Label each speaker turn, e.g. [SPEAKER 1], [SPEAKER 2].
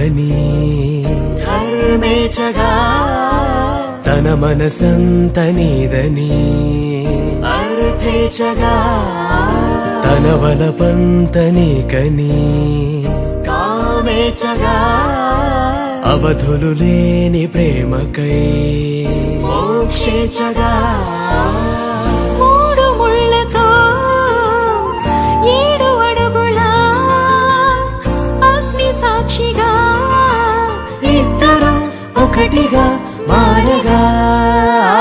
[SPEAKER 1] నీదని
[SPEAKER 2] ధర్మేచగా
[SPEAKER 1] తన మనసంత నీదని
[SPEAKER 2] అర్థేచగా
[SPEAKER 1] తన వలపంత నీకని
[SPEAKER 2] కామేచగా
[SPEAKER 1] అవధులు లేని ప్రేమకై
[SPEAKER 2] మోక్షేచగా
[SPEAKER 3] మూడు ముళ్ళతో 7 అడుగుల అగ్ని సాక్షిగా
[SPEAKER 2] ఇద్దరు ఒకటిగా మారగా